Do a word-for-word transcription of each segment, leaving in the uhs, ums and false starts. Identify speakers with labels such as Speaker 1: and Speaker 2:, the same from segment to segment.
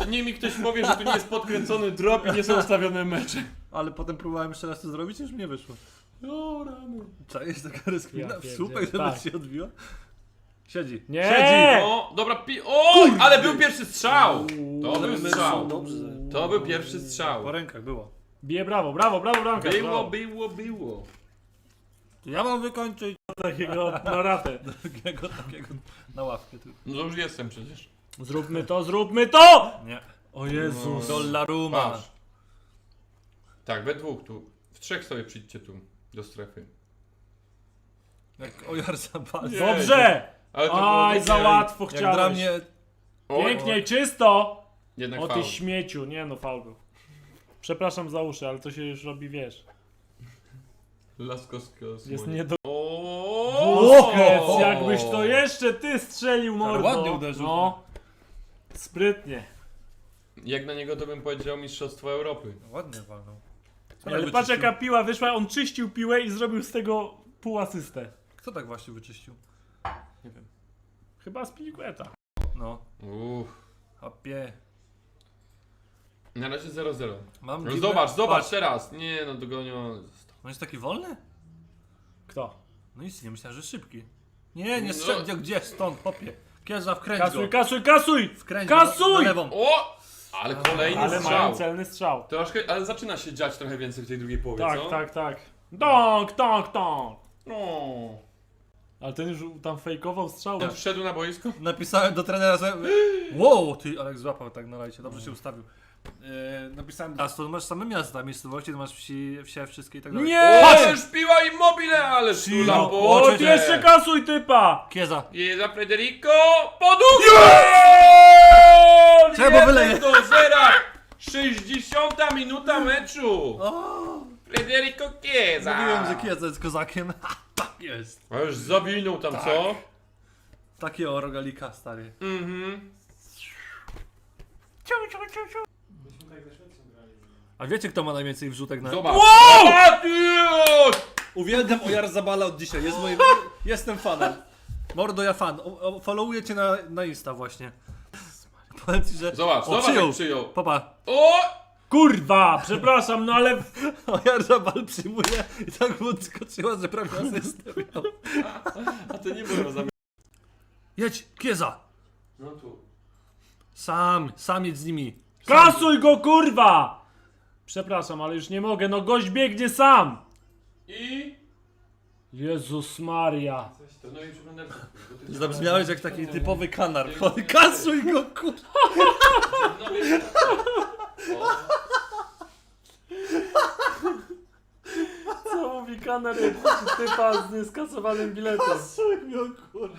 Speaker 1: niech mi ktoś powie, że tu nie jest podkręcony drop i nie są ustawione mecze.
Speaker 2: Ale potem próbowałem jeszcze raz to zrobić, już nie wyszło.
Speaker 1: O rany.
Speaker 2: Czaisz taka rozkmina
Speaker 3: Ja
Speaker 2: w słupek, żeby
Speaker 3: pierdzielę, tak.
Speaker 2: się odbiła? Siedzi.
Speaker 3: Nie!
Speaker 2: Siedzi.
Speaker 1: O, dobra, pi... O, ale był pierwszy strzał! To
Speaker 2: Ale
Speaker 1: był
Speaker 2: my
Speaker 1: strzał.
Speaker 2: są dobrze.
Speaker 1: To był pierwszy strzał.
Speaker 2: Po rękach było.
Speaker 3: Bije brawo, brawo, brawo, bramka.
Speaker 1: Było, było, było.
Speaker 2: Ja mam wykończyć
Speaker 3: Takiego na ratę.
Speaker 2: takiego, takiego na ławkę. Tu.
Speaker 1: No to już jestem przecież.
Speaker 3: Zróbmy to, zróbmy to!
Speaker 2: Nie.
Speaker 3: O Jezus.
Speaker 2: Dollaruma.
Speaker 1: Patrz. Tak, we dwóch tu. W trzech sobie przyjdźcie tu, do strefy.
Speaker 2: Jak ojar zapal.
Speaker 1: Nie.
Speaker 3: Dobrze!
Speaker 1: Ale to było
Speaker 3: Aj, za
Speaker 1: takie-
Speaker 3: łatwo
Speaker 2: Jak
Speaker 3: chciałeś.
Speaker 2: dla mnie...
Speaker 1: Oj,
Speaker 3: Pięknie, czysto!
Speaker 1: Jednak
Speaker 3: O ty
Speaker 1: faul.
Speaker 3: śmieciu. Nie no, faul był. Przepraszam za uszy, ale to się już robi, wiesz.
Speaker 1: Laskowska
Speaker 3: Jest nie do...
Speaker 1: O!
Speaker 3: Wózkec, jakbyś to jeszcze ty strzelił, mordo.
Speaker 2: ładnie uderzył.
Speaker 3: No. Sprytnie.
Speaker 1: Jak na niego to bym powiedział Mistrzostwo Europy.
Speaker 2: Ładnie walnął. Co
Speaker 3: Ale
Speaker 2: tak
Speaker 3: patrz
Speaker 2: wyczyścił?
Speaker 3: jaka piła wyszła, on czyścił piłę i zrobił z tego pół asystę.
Speaker 2: Kto tak właśnie wyczyścił? Nie wiem.
Speaker 3: Chyba z Piliqueta.
Speaker 2: No.
Speaker 1: Uff.
Speaker 2: Hopie.
Speaker 1: Na razie zero zero.
Speaker 2: Mam
Speaker 1: No
Speaker 2: dziwne-
Speaker 1: zobacz, zobacz
Speaker 2: Patrz.
Speaker 1: teraz. Nie no, dogoniony.
Speaker 2: On jest taki wolny?
Speaker 3: Kto?
Speaker 2: No nic, nie myślałem, że szybki. Nie, nie
Speaker 1: No.
Speaker 2: strzel... Gdzie, gdzie? Stąd, popie. Kierza, wkręć
Speaker 3: Kasuj,
Speaker 2: go.
Speaker 3: kasuj, kasuj!
Speaker 2: Wkręć go na,
Speaker 3: Kasuj!
Speaker 2: na lewą.
Speaker 1: O! Ale kolejny
Speaker 3: Ale
Speaker 1: strzał.
Speaker 3: mają celny strzał.
Speaker 1: Troszkę, ale zaczyna się dziać trochę więcej w tej drugiej połowie,
Speaker 3: Tak,
Speaker 1: co?
Speaker 3: tak, tak. Donk, donk, donk.
Speaker 1: No.
Speaker 3: Ale ten już tam fejkował strzał.
Speaker 1: On wszedł na boisko?
Speaker 2: Napisałem do trenera, że... Wow, ty, Alek złapał tak na lajcie, dobrze się ustawił. Yy, napisałem... A to masz same miasta, miejscowości, to masz wsi, wsie, wszystkie i tak dalej.
Speaker 3: Nie!
Speaker 1: O, już piła Immobile, ale szula
Speaker 2: No,
Speaker 1: po
Speaker 3: O, ty jeszcze kasuj typa!
Speaker 2: Kieza.
Speaker 1: Jeza Federico, podługa!
Speaker 2: Czemu wyleje?
Speaker 1: do zera! sześćdziesiąta minuta meczu!
Speaker 2: O,
Speaker 1: Federico Chiesa!
Speaker 2: mówiłem, że Kieza jest kozakiem. Tak jest.
Speaker 1: A już zawinął tam, co?
Speaker 2: Takiego rogalika, stary.
Speaker 1: Mhm.
Speaker 2: A wiecie, kto ma najwięcej wrzutek na...
Speaker 1: Zobacz. Wow!
Speaker 2: Uwielbiam Ojar Zabala od dzisiaj, jest moim... Jestem fanem. Mordo, ja fan. O, o, followuję cię na, na Insta właśnie. Powiem ci, że...
Speaker 1: Zobacz,
Speaker 2: o,
Speaker 1: zobacz
Speaker 2: przyjął.
Speaker 1: jak przyjął.
Speaker 2: Popa.
Speaker 1: O!
Speaker 3: Kurwa, przepraszam, no ale...
Speaker 2: Ojar Zabal przyjmuje i tak mu skoczyła, że prawie asystę miał.
Speaker 1: A to nie było zamiast.
Speaker 2: Jedź, Kieza.
Speaker 1: No tu.
Speaker 2: Sam, sam jedź z nimi.
Speaker 3: Kasuj go, kurwa! Przepraszam, ale już nie mogę, no gość biegnie sam!
Speaker 1: I...
Speaker 3: Jezus Maria.
Speaker 1: To no i przeglądarkę.
Speaker 2: Zabrzmiałeś jak taki typowy kanar. Kasuj go, kur...
Speaker 1: No wiesz,
Speaker 3: Co mówi kaner typa z nieskasowanym biletem?
Speaker 2: Kasuj go, kur...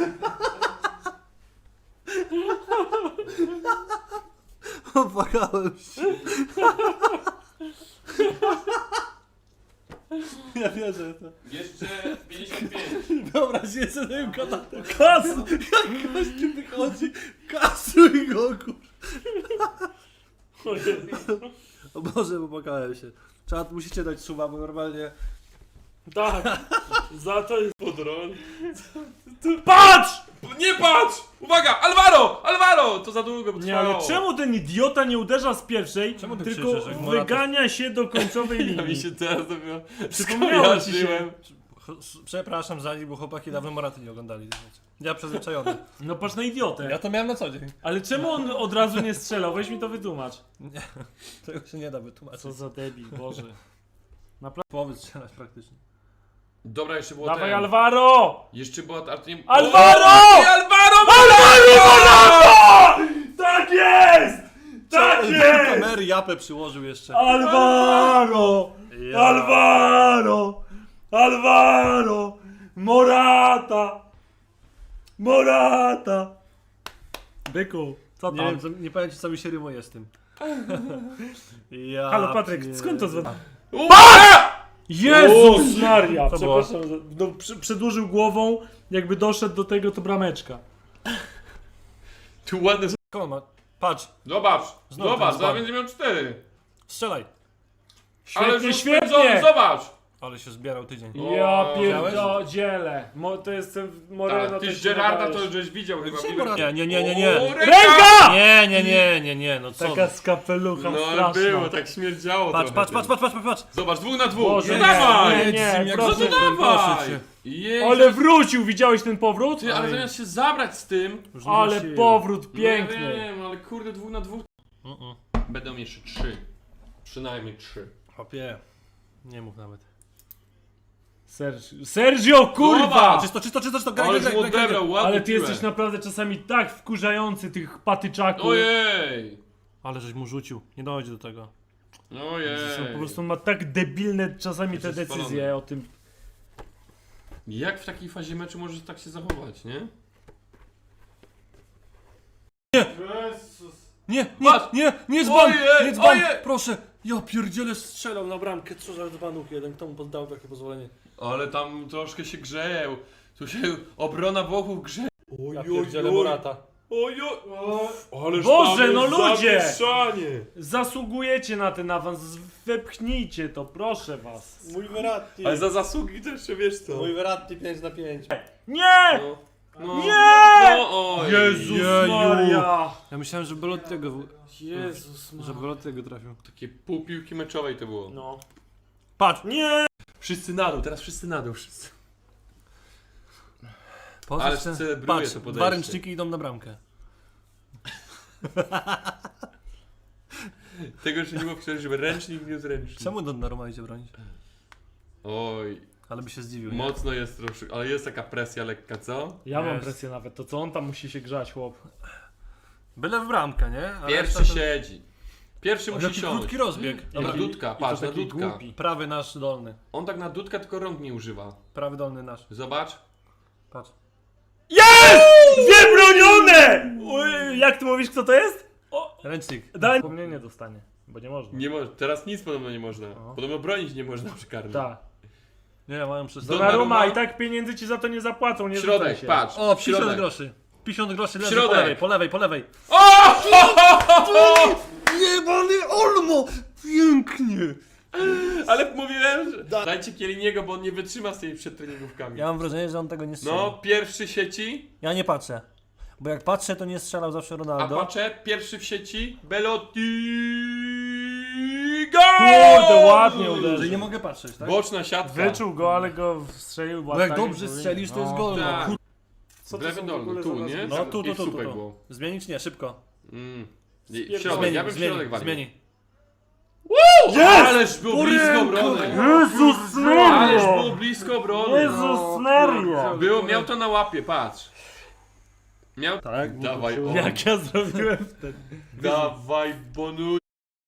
Speaker 2: Opłakałem się. Ja wierzę w to.
Speaker 1: jeszcze pięćdziesiąt pięć.
Speaker 2: Wyobraź sobie ten kanał.
Speaker 3: Kasuj!
Speaker 2: Jak gościu wychodzi, kasuj go, kur...
Speaker 3: O Jezu.
Speaker 2: O Boże, popłakałem się. Trzeba, musicie dać suba, bo normalnie...
Speaker 3: Tak, za to jest podron. Patrz!
Speaker 1: Nie patrz! Uwaga! Alvaro! Alvaro! To za długo by
Speaker 3: Nie, ale
Speaker 1: trwało.
Speaker 3: czemu ten idiota nie uderza z pierwszej,
Speaker 2: Czemu ty
Speaker 3: tylko
Speaker 2: krzyczysz, jak Morata-
Speaker 3: wygania się do końcowej
Speaker 1: Ja mi
Speaker 3: linii?
Speaker 1: się teraz dopiero
Speaker 3: Przypomniało ci się.
Speaker 1: skojarzyłem.
Speaker 2: Przepraszam za nich, bo chłopaki dawno Moraty nie oglądali. Ja przyzwyczajony.
Speaker 3: No patrz na idiotę.
Speaker 2: Ja to miałem na co dzień.
Speaker 3: Ale czemu on od razu nie strzelał? Weź mi to wytłumacz.
Speaker 2: Nie, tego się nie da wytłumaczyć.
Speaker 3: Co za debil, Boże.
Speaker 2: Połowy strzelać praktycznie.
Speaker 1: Dobra, jeszcze było
Speaker 3: Dawaj
Speaker 1: ten.
Speaker 3: Alvaro!
Speaker 1: Jeszcze była ta... nie...
Speaker 3: Alvaro!
Speaker 1: O, nie, Alvaro!
Speaker 3: Alvaro! Tak jest! Tak jest!
Speaker 2: Kamery japę przyłożył jeszcze.
Speaker 3: Alvaro!
Speaker 2: Ja.
Speaker 3: Alvaro! Alvaro! Morata! Morata! Byku, co
Speaker 2: Nie
Speaker 3: tam?
Speaker 2: wiem, co, nie powiem ci co mi się rymuje z tym. Ja
Speaker 3: Halo Patryk,
Speaker 2: pier-
Speaker 3: skąd to zwa...
Speaker 1: Uwaga!
Speaker 3: Jezus Maria!
Speaker 2: Co było?
Speaker 3: Przepraszam, za- no, przy, przedłużył głową, jakby doszedł do tego, to brameczka.
Speaker 1: Tu ładny...
Speaker 2: Skąd ma? Patrz,
Speaker 1: Zobacz!
Speaker 2: Znowu
Speaker 1: Zobacz,
Speaker 2: ten
Speaker 1: zaraz
Speaker 2: dzban.
Speaker 1: będzie miał cztery.
Speaker 2: strzelaj.
Speaker 1: Ale
Speaker 3: Świetnie,
Speaker 1: już
Speaker 3: świetnie!
Speaker 1: spędzony, zobacz!
Speaker 2: Ale się zbierał tydzień.
Speaker 3: Ja
Speaker 1: O,
Speaker 3: pierdzielę. Mo, to jest ten Moreno.
Speaker 1: Tak, ty
Speaker 3: to
Speaker 1: z
Speaker 3: się
Speaker 1: Gerarda to
Speaker 3: nadajesz.
Speaker 1: żeś widział chyba.
Speaker 2: Gdzie
Speaker 1: w
Speaker 2: Morata?
Speaker 1: Liverpoolu.
Speaker 2: Nie, nie, nie, nie, nie.
Speaker 1: O,
Speaker 3: Ręka!
Speaker 2: Nie, nie, nie, nie, nie, no co?
Speaker 3: Taka z kapelucha
Speaker 1: No ale
Speaker 3: straszna.
Speaker 1: było, tak śmierdziało
Speaker 2: Patrz,
Speaker 1: trochę
Speaker 2: patrz,
Speaker 1: tym.
Speaker 2: patrz, patrz, patrz, patrz.
Speaker 1: Zobacz, dwóch na dwóch.
Speaker 3: Boże,
Speaker 1: no
Speaker 3: nie,
Speaker 1: dawaj!
Speaker 3: nie,
Speaker 2: Jedz
Speaker 3: nie,
Speaker 2: z nim jak
Speaker 3: proszę
Speaker 1: No to
Speaker 2: zwykle,
Speaker 1: dawaj!
Speaker 2: proszę cię.
Speaker 1: Jezu.
Speaker 3: Ale wrócił, widziałeś ten powrót?
Speaker 1: Ty, ale zamiast się zabrać z tym...
Speaker 2: Już nie ma
Speaker 3: Ale
Speaker 2: siły.
Speaker 3: powrót
Speaker 1: No ja
Speaker 3: piękny.
Speaker 1: wiem, ale kurde, dwóch na dwóch.
Speaker 2: Mm-mm.
Speaker 1: Będą jeszcze trzy. Przynajmniej trzy.
Speaker 2: Chłopie, nie mów nawet.
Speaker 3: Sergio, Sergio kurwa!
Speaker 1: Zobacz!
Speaker 2: Czysto, czysto, czysto, czysto, graj,
Speaker 1: Ale
Speaker 2: graj,
Speaker 1: mu
Speaker 2: graj, graj, graj.
Speaker 1: odebrał, ładnie
Speaker 3: Ale ty
Speaker 1: piłę.
Speaker 3: jesteś naprawdę czasami tak wkurzający tych patyczaków.
Speaker 1: Ojej!
Speaker 2: Ale żeś mu rzucił, nie dojdzie do tego.
Speaker 1: Ojej!
Speaker 3: Są, po prostu on ma tak debilne czasami te
Speaker 1: Jesteś
Speaker 3: decyzje
Speaker 1: spalony.
Speaker 3: o tym.
Speaker 1: Jak w takiej fazie meczu możesz tak się zachować, nie?
Speaker 2: Nie, nie,
Speaker 1: Patrz!
Speaker 2: nie, nie dzban,
Speaker 1: Ojej,
Speaker 2: nie dzban,
Speaker 1: ojej!
Speaker 2: proszę. Ja pierdzielę strzelał na bramkę, co za dzbanów jeden, kto mu poddał takie pozwolenie?
Speaker 1: Ale tam troszkę się grzeją. Tu się obrona Włochów grzeje.
Speaker 2: Ja pierdzielę Morata.
Speaker 1: Ojoj! Ależ
Speaker 3: Boże,
Speaker 1: tam
Speaker 3: no
Speaker 1: jest
Speaker 3: ludzie!
Speaker 1: zamieszanie.
Speaker 3: Zasługujecie na ten awans, wepchnijcie to, proszę was.
Speaker 2: Mój Verratti.
Speaker 1: Ale za zasługi też się wiesz co.
Speaker 2: Mój Verratti pięć na pięć.
Speaker 3: Nie!
Speaker 1: No, no,
Speaker 3: Nie!
Speaker 1: No, oj.
Speaker 3: Jezus
Speaker 2: Jeju.
Speaker 3: Maria!
Speaker 2: Ja myślałem, że Belottiego,
Speaker 3: Jezus
Speaker 2: że Belottiego trafił.
Speaker 1: Takie pół piłki meczowej to było.
Speaker 3: No.
Speaker 2: Patrz!
Speaker 3: Nie!
Speaker 1: Wszyscy na dół, teraz wszyscy na dół, wszyscy.
Speaker 2: Po
Speaker 1: Ale
Speaker 2: co chcę-
Speaker 1: celebruje
Speaker 2: Patrz,
Speaker 1: to podejście.
Speaker 2: dwa ręczniki idą na bramkę.
Speaker 1: Tego jeszcze nie było wczoraj, żeby ręcznik nie zręcznik.
Speaker 2: Czemu Donnarumma idzie bronić?
Speaker 1: Oj,
Speaker 2: Ale by się zdziwił, nie?
Speaker 1: mocno jest troszkę, ale jest taka presja lekka, co?
Speaker 3: Ja mam
Speaker 2: Jest.
Speaker 3: presję nawet, to co on tam musi się grzać, chłop.
Speaker 2: Byle w bramkę, nie? A
Speaker 1: Pierwszy
Speaker 2: reszta to-
Speaker 1: siedzi. Pierwszy
Speaker 2: O,
Speaker 1: musi
Speaker 2: jaki
Speaker 1: siąść.
Speaker 2: krótki rozbieg.
Speaker 1: Dobra,
Speaker 2: Dobra,
Speaker 1: Dudka,
Speaker 3: i to
Speaker 1: patrz, na
Speaker 3: taki
Speaker 1: Dudka.
Speaker 3: głupi.
Speaker 2: prawy nasz dolny.
Speaker 1: On tak na Dudka tylko rąk nie używa.
Speaker 2: Prawy dolny nasz.
Speaker 1: Zobacz.
Speaker 2: Patrz.
Speaker 3: Jest! Wybronione! Oj, jak ty mówisz, kto to jest? O,
Speaker 2: Ręcznik.
Speaker 3: daj wspomnienie dostanie, bo nie można.
Speaker 1: Nie mo- teraz nic podobno nie można.
Speaker 2: O.
Speaker 1: Podobno bronić nie można przy karnym.
Speaker 3: Tak.
Speaker 2: Nie, mają przez
Speaker 1: Donnarumma.
Speaker 3: Donnarumma i tak pieniędzy ci za to nie zapłacą, nie rzucaj
Speaker 1: Środek,
Speaker 3: się.
Speaker 1: patrz.
Speaker 2: O, pięćdziesiąt
Speaker 1: środek.
Speaker 2: groszy. pięćdziesiąt groszy leży
Speaker 1: Środek.
Speaker 2: po lewej, po lewej, po lewej. Jebany Olmo! Pięknie!
Speaker 1: Ale mówiłem, że... Dajcie Kieliniego, bo on nie wytrzyma z tymi przedtreningówkami.
Speaker 2: Ja mam wrażenie, że on tego nie strzela.
Speaker 1: No, pierwszy w sieci,
Speaker 2: Ja nie patrzę. Bo jak patrzę, to nie strzelał zawsze
Speaker 1: a
Speaker 2: Ronaldo.
Speaker 1: patrzę, pierwszy w sieci, Belotti, gol!
Speaker 3: Kurde, ładnie
Speaker 2: Że
Speaker 3: uderzył.
Speaker 2: nie mogę patrzeć, tak?
Speaker 1: Boczna siatka.
Speaker 3: Wyczuł go, ale go strzelił.
Speaker 2: Bo jak
Speaker 3: tak,
Speaker 2: dobrze
Speaker 3: powinien.
Speaker 2: strzelisz, to jest gol. No.
Speaker 1: Tak.
Speaker 2: Kur-
Speaker 3: Co to
Speaker 1: Lewy
Speaker 3: są w
Speaker 1: dolny,
Speaker 3: ogóle
Speaker 1: tu,
Speaker 3: za
Speaker 1: nie?
Speaker 3: nazwiska?
Speaker 2: No tu, tu,
Speaker 1: I
Speaker 2: tu, tu,
Speaker 1: słupek
Speaker 2: tu.
Speaker 1: było.
Speaker 2: Zmienić? Nie, szybko.
Speaker 1: Mm. I- W
Speaker 3: Zmieni,
Speaker 1: środek,
Speaker 2: Zmieni,
Speaker 1: ja bym w
Speaker 2: zmieni,
Speaker 1: środek walił.
Speaker 2: zmieni.
Speaker 1: Ależ było blisko obrony.
Speaker 3: Jezus
Speaker 1: Ależ
Speaker 3: Maria!
Speaker 1: było blisko obrony.
Speaker 3: Jezus Maria!
Speaker 1: Było, miał to na łapie, patrz. Miał...
Speaker 2: Tak,
Speaker 1: Dawaj, o.
Speaker 3: Jak ja zrobiłem wtedy.
Speaker 1: Dawaj, Bonucci.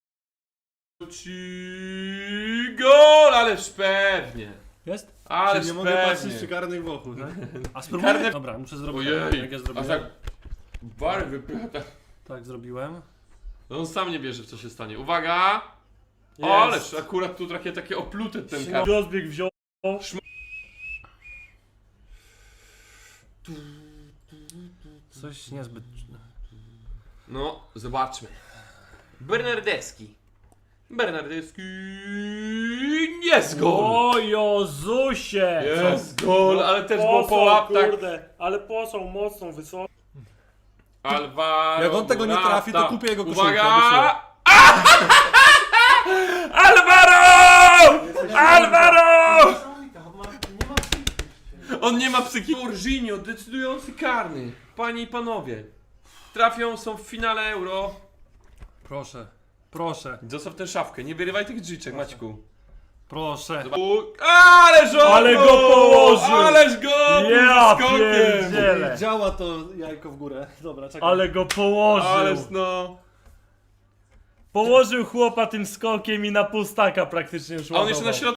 Speaker 1: Gol, ależ pewnie.
Speaker 2: Jest?
Speaker 1: Ależ
Speaker 2: Czyli nie mogę
Speaker 1: pewnie.
Speaker 2: patrzeć przy karnych Włochów, tak? A spróbuję?
Speaker 1: Karne-
Speaker 2: Dobra, muszę zrobić.
Speaker 1: Ojej,
Speaker 2: Jak ja
Speaker 1: aż
Speaker 2: zrobiłem.
Speaker 1: tak bar wypycha tak.
Speaker 2: Tak, zrobiłem.
Speaker 1: No on sam nie wierzy w co się stanie. Uwaga!
Speaker 3: Jest.
Speaker 1: O, ależ akurat tu takie, takie oplute ten kar.
Speaker 3: Rozbieg wziął.
Speaker 2: Coś niezbyt...
Speaker 1: No, zobaczmy. Bernardeschi. Bernardeschi. Jest gol!
Speaker 3: O Jezusie!
Speaker 1: Jest gol, ale też było po łaptach.
Speaker 3: Kurde, ale posą mocną, wysoką.
Speaker 1: Alvaro.
Speaker 2: Jak on tego nie trafi, to
Speaker 1: Morata.
Speaker 2: kupię jego koszulkę,
Speaker 1: Uwaga!
Speaker 2: obiecuję.
Speaker 1: Alvaro! Alvaro! On nie ma psychiki. Jorginho, decydujący karny. Panie i panowie. Trafią, są w finale Euro.
Speaker 2: Proszę, proszę,
Speaker 1: Zostaw tę szafkę, nie wyrywaj tych drzwiczek, Maćku.
Speaker 2: proszę.
Speaker 1: Ależ on
Speaker 3: Ale go położył!
Speaker 1: Ależ go
Speaker 3: Ja
Speaker 1: skokiem!
Speaker 3: pierdzielę!
Speaker 2: Działa to jajko w górę. Dobra, czekaj.
Speaker 3: Ale go położył!
Speaker 1: Ależ no.
Speaker 3: Położył chłopa tym skokiem i na pustaka praktycznie już
Speaker 1: A on jeszcze na
Speaker 3: ładował.
Speaker 1: środku